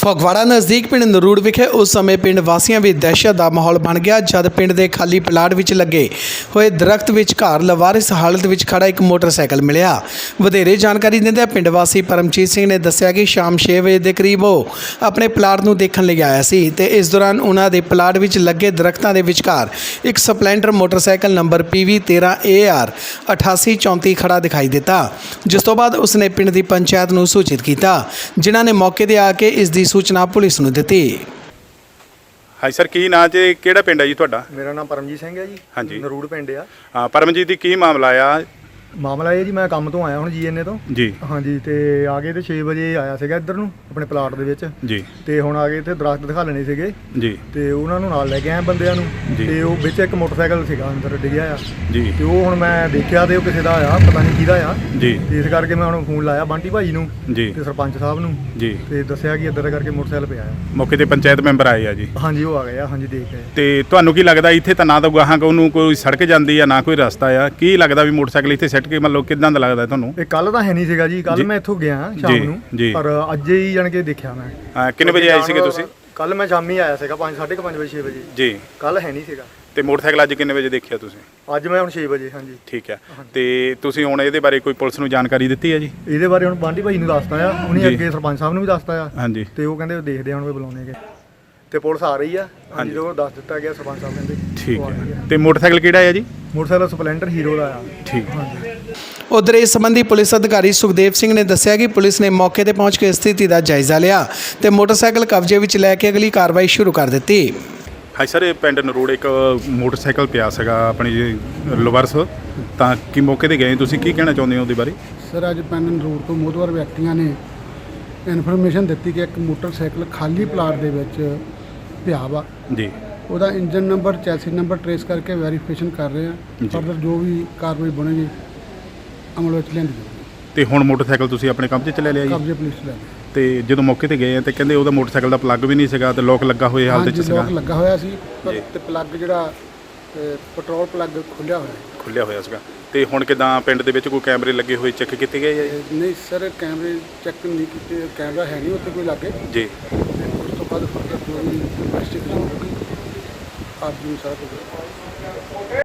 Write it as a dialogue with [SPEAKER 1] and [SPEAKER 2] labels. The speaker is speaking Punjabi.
[SPEAKER 1] ਫਗਵਾੜਾ ਨਜ਼ਦੀਕ ਪਿੰਡ ਨਰੂੜ ਵਿਖੇ ਉਸ ਸਮੇਂ ਪਿੰਡ ਵਾਸੀਆਂ ਵਿੱਚ ਦਹਿਸ਼ਤ ਦਾ ਮਾਹੌਲ ਬਣ ਗਿਆ ਜਦ ਪਿੰਡ ਦੇ ਖਾਲੀ ਪਲਾਟ ਵਿੱਚ ਲੱਗੇ ਹੋਏ ਦਰਖਤ ਵਿਚਕਾਰ ਲਵਾਰਿਸ ਹਾਲਤ ਵਿੱਚ ਖੜਾ ਇੱਕ ਮੋਟਰਸਾਈਕਲ ਮਿਲਿਆ। ਵਧੇਰੇ ਜਾਣਕਾਰੀ ਦਿੰਦਿਆਂ ਪਿੰਡ ਵਾਸੀ ਪਰਮਜੀਤ ਸਿੰਘ ਨੇ ਦੱਸਿਆ ਕਿ ਸ਼ਾਮ 6 ਵਜੇ ਦੇ ਕਰੀਬ ਉਹ ਆਪਣੇ ਪਲਾਟ ਨੂੰ ਦੇਖਣ ਲਈ ਆਇਆ ਸੀ ਤੇ ਇਸ ਦੌਰਾਨ ਉਹਨਾਂ ਦੇ ਪਲਾਟ ਵਿੱਚ ਲੱਗੇ ਦਰਖਤਾਂ ਦੇ ਵਿਚਕਾਰ ਇੱਕ Splendor motorcycle number PV 13AR 8834 ਖੜਾ ਦਿਖਾਈ ਦਿੱਤਾ, ਜਿਸ ਤੋਂ ਬਾਅਦ ਉਸਨੇ ਪਿੰਡ ਦੀ ਪੰਚਾਇਤ ਨੂੰ ਸੂਚਿਤ ਕੀਤਾ, ਜਿਨ੍ਹਾਂ ਨੇ ਮੌਕੇ ਤੇ ਆ ਕੇ ਇਸ ਦੀ सूचना पुलिस ਨੂੰ ਦਿੱਤੀ।
[SPEAKER 2] हाँ सर की नाम से केड़ा पिंड है जी तुहाडा?
[SPEAKER 3] मेरा नाम परमजीत सिंह है जी।
[SPEAKER 2] हाँ जी
[SPEAKER 3] नरूड़ पिंड आ।
[SPEAKER 2] हाँ परमजीत जी की मामला आया?
[SPEAKER 3] ਮਾਮਲਾ ਇਹ ਜੀ ਮੈਂ ਕੰਮ ਤੋਂ ਆਇਆ ਹੁਣ GNA ਤੋਂ
[SPEAKER 2] ਜੀ।
[SPEAKER 3] ਹਾਂਜੀ ਤੇ ਆ ਗਏ ਤੇ 6 ਵਜੇ ਆਇਆ ਸੀਗਾ ਇੱਧਰ ਨੂੰ ਆਪਣੇ ਪਲਾਟ ਦੇ ਵਿੱਚ
[SPEAKER 2] ਜੀ।
[SPEAKER 3] ਤੇ ਹੁਣ ਆ ਗਏ ਤੇ ਦਰਖਤ ਦਿਖਾ ਲੈਣੇ ਸੀਗੇ
[SPEAKER 2] ਜੀ।
[SPEAKER 3] ਤੇ ਉਹਨਾਂ ਨੂੰ ਨਾਲ ਲੈ ਕੇ ਆਏ ਬੰਦਿਆਂ ਨੂੰ ਤੇ ਉਹ ਵਿੱਚ ਇੱਕ ਮੋਟਰਸਾਈਕਲ ਸੀਗਾ ਅੰਦਰ ਡਿੱਗਿਆ ਆ
[SPEAKER 2] ਜੀ।
[SPEAKER 3] ਤੇ ਉਹ ਹੁਣ ਮੈਂ ਦੇਖਿਆ ਤੇ ਉਹ ਕਿਸੇ ਦਾ ਆ ਪਤਾ ਨਹੀਂ ਕਿਹਦਾ ਆ
[SPEAKER 2] ਜੀ।
[SPEAKER 3] ਤੇ ਇਸ ਕਰਕੇ ਮੈਂ ਹੁਣ ਫੋਨ ਲਾਇਆ ਬੰਟੀ ਭਾਈ ਨੂੰ
[SPEAKER 2] ਜੀ
[SPEAKER 3] ਤੇ ਸਰਪੰਚ ਸਾਹਿਬ ਨੂੰ
[SPEAKER 2] ਜੀ
[SPEAKER 3] ਤੇ ਦੱਸਿਆ ਕਿ ਇੱਧਰ ਕਰਕੇ ਮੋਟਰਸਾਈਕਲ ਪਿਆ ਆ।
[SPEAKER 2] ਮੌਕੇ ਤੇ ਪੰਚਾਇਤ ਮੈਂਬਰ ਆਏ ਆ ਜੀ?
[SPEAKER 3] ਹਾਂਜੀ ਉਹ ਆ ਗਏ ਆ। ਹਾਂਜੀ ਦੇਖ ਗਏ।
[SPEAKER 2] ਤੇ ਤੁਹਾਨੂੰ ਕੀ ਲੱਗਦਾ ਇੱਥੇ ਤਾਂ ਨਾ ਤਾਂ ਗਾਹਾਂ ਨੂੰ ਕੋਈ ਸੜਕ ਜਾਂਦੀ ਆ ਨਾ ਕੋਈ ਰਸਤਾ ਆ, ਕੀ ਲੱਗਦਾ ਵੀ ਮੋਟਰਸਾਈਕਲ ਇੱਥੇ ਸੱਟ ਕੇ ਮਤਲਬ ਕਿਦਾਂ ਦਾ ਲੱਗਦਾ ਤੁਹਾਨੂੰ?
[SPEAKER 3] ਇਹ ਕੱਲ ਤਾਂ ਹੈ ਨਹੀਂ ਸੀਗਾ ਜੀ, ਕੱਲ ਮੈਂ ਇੱਥੋਂ ਗਿਆ ਸ਼ਾਮ ਨੂੰ ਪਰ ਅੱਜ ਹੀ ਜਾਣ ਕੇ ਦੇਖਿਆ ਮੈਂ।
[SPEAKER 2] ਹਾਂ ਕਿੰਨੇ ਵਜੇ ਆਏ ਸੀਗੇ ਤੁਸੀਂ?
[SPEAKER 3] ਕੱਲ ਮੈਂ ਸ਼ਾਮੀ ਆਇਆ ਸੀਗਾ 5:30 ਵਜੇ 6 ਵਜੇ
[SPEAKER 2] ਜੀ।
[SPEAKER 3] ਕੱਲ ਹੈ ਨਹੀਂ ਸੀਗਾ।
[SPEAKER 2] ਤੇ ਮੋਟਰਸਾਈਕਲ ਅੱਜ ਕਿੰਨੇ ਵਜੇ ਦੇਖਿਆ ਤੁਸੀਂ?
[SPEAKER 3] ਅੱਜ ਮੈਂ ਹੁਣ 6 ਵਜੇ। ਹਾਂਜੀ ਠੀਕ
[SPEAKER 2] ਹੈ। ਤੇ ਤੁਸੀਂ ਹੁਣ ਇਹਦੇ ਬਾਰੇ ਕੋਈ ਪੁਲਿਸ ਨੂੰ ਜਾਣਕਾਰੀ ਦਿੱਤੀ ਹੈ ਜੀ?
[SPEAKER 3] ਇਹਦੇ ਬਾਰੇ ਹੁਣ ਬਾਂਟੀ ਭਾਈ ਨੂੰ ਦੱਸਤਾ ਆ, ਉਹਨੇ ਅੱਗੇ ਸਰਪੰਚ ਸਾਹਿਬ ਨੂੰ ਵੀ ਦੱਸਤਾ ਆ।
[SPEAKER 2] ਹਾਂਜੀ ਤੇ
[SPEAKER 3] ਉਹ ਕਹਿੰਦੇ ਦੇਖਦੇ ਆ ਹੁਣ ਵੀ ਬੁਲਾਉਣਗੇ ਤੇ ਪੁਲਿਸ ਆ ਰਹੀ ਆ। ਹਾਂਜੀ ਉਹ ਦੱਸ ਦਿੱਤਾ ਗਿਆ ਸਰਪੰਚ ਸਾਹਿਬ ਕਹਿੰਦੇ।
[SPEAKER 2] ਠੀਕ ਹੈ। ਤੇ ਮੋਟਰਸਾਈਕਲ ਕਿਹੜਾ ਹੈ ਜੀ?
[SPEAKER 3] ਮੋਟਰਸਾਈਕਲ ਸਪਲੈਂਡਰ ਹੀਰੋ ਦਾ ਆ।
[SPEAKER 2] ਠੀਕ।
[SPEAKER 3] ਹਾਂਜੀ।
[SPEAKER 1] ਉਧਰ ਇਸ ਸੰਬੰਧੀ ਪੁਲਿਸ ਅਧਿਕਾਰੀ ਸੁਖਦੇਵ ਸਿੰਘ ਨੇ ਦੱਸਿਆ ਕਿ ਪੁਲਿਸ ਨੇ ਮੌਕੇ ਤੇ ਪਹੁੰਚ ਕੇ ਸਥਿਤੀ ਦਾ ਜਾਇਜ਼ਾ ਲਿਆ ਤੇ ਮੋਟਰਸਾਈਕਲ ਕਬਜ਼ੇ ਵਿੱਚ ਲੈ ਕੇ ਅਗਲੀ ਕਾਰਵਾਈ ਸ਼ੁਰੂ ਕਰ ਦਿੱਤੀ।
[SPEAKER 2] ਹਾਂ ਸਰ ਇਹ ਪਿੰਡ ਨਰੂੜ ਇੱਕ ਮੋਟਰਸਾਈਕਲ ਪਿਆ ਸੀਗਾ ਆਪਣੀ ਲਵਰਸ, ਤਾਂ ਕੀ ਮੌਕੇ ਤੇ ਗਏ ਤੁਸੀਂ, ਕੀ ਕਹਿਣਾ ਚਾਹੁੰਦੇ ਹੋ ਉਹਦੇ ਬਾਰੇ?
[SPEAKER 4] ਸਰ ਅੱਜ ਪਿੰਡ ਨਰੂੜ ਤੋਂ ਮੋਹਤਵਰ ਵਿਅਕਤੀਆਂ ਨੇ ਇਨਫੋਰਮੇਸ਼ਨ ਦਿੱਤੀ ਕਿ ਇੱਕ ਮੋਟਰਸਾਈਕਲ ਖਾਲੀ ਪਲਾਟ ਦੇ ਵਿੱਚ ਪਿਆ ਵਾ
[SPEAKER 2] ਜੀ।
[SPEAKER 4] ਉਹਦਾ engine number chassis number trace ਕਰਕੇ ਵੈਰੀਫਿਕੇਸ਼ਨ ਕਰ ਰਹੇ ਆ। ਫਰਦਰ ਜੋ ਵੀ ਕਾਰਵਾਈ ਬਣੇਗੀ ਅਮਲ ਵਿੱਚ ਲਿਆਂਦੀ ਜਾਊਗੀ।
[SPEAKER 2] ਤੇ ਹੁਣ ਮੋਟਰਸਾਈਕਲ ਤੁਸੀਂ ਆਪਣੇ ਕਬਜ਼ੇ 'ਚ ਲੈ ਲਿਆ ਜੀ?
[SPEAKER 4] ਕਬਜ਼ੇ ਪੁਲਿਸ ਲੈ ਲਈ।
[SPEAKER 2] ਤੇ ਜਦੋਂ ਮੌਕੇ ਤੇ ਗਏ ਆ ਤੇ ਕਹਿੰਦੇ ਉਹਦਾ ਮੋਟਰਸਾਈਕਲ ਦਾ ਪਲੱਗ ਵੀ ਨਹੀਂ ਸੀਗਾ ਤੇ ਲੋਕ ਲੱਗਾ ਹੋਏ ਹਾਲਤ 'ਚ ਸੀਗਾ?
[SPEAKER 4] ਲੋਕ ਲੱਗਾ ਹੋਇਆ ਸੀ ਪਰ ਤੇ ਪਲੱਗ ਜਿਹੜਾ ਪੈਟਰੋਲ ਪਲੱਗ ਖੁੱਲਿਆ ਹੋਇਆ
[SPEAKER 2] ਸੀਗਾ। ਤੇ ਹੁਣ ਕਿਦਾਂ ਪਿੰਡ ਦੇ ਵਿੱਚ ਕੋਈ ਕੈਮਰੇ ਲੱਗੇ ਹੋਏ ਚੈੱਕ ਕੀਤੇ ਗਏ ਆ ਜੀ?
[SPEAKER 4] ਨਹੀਂ ਸਰ ਕੈਮਰੇ ਚੈੱਕ ਨਹੀਂ ਕੀਤੇ, ਕੈਮਰਾ ਹੈ ਨਹੀਂ ਉੱਥੇ ਕੋਈ ਲੱਗੇ
[SPEAKER 2] ਜੀ।
[SPEAKER 4] ਉਸ ਤੋਂ ਬਾਅਦ ਫਰਦਰ ਜੋ ਵੀ ਇਨਵੈਸਟੀਗੇਸ਼ਨ ਹੋਊਗੀ ਆਪ ਜੀ ਸਾਰਾ ਕੁਝ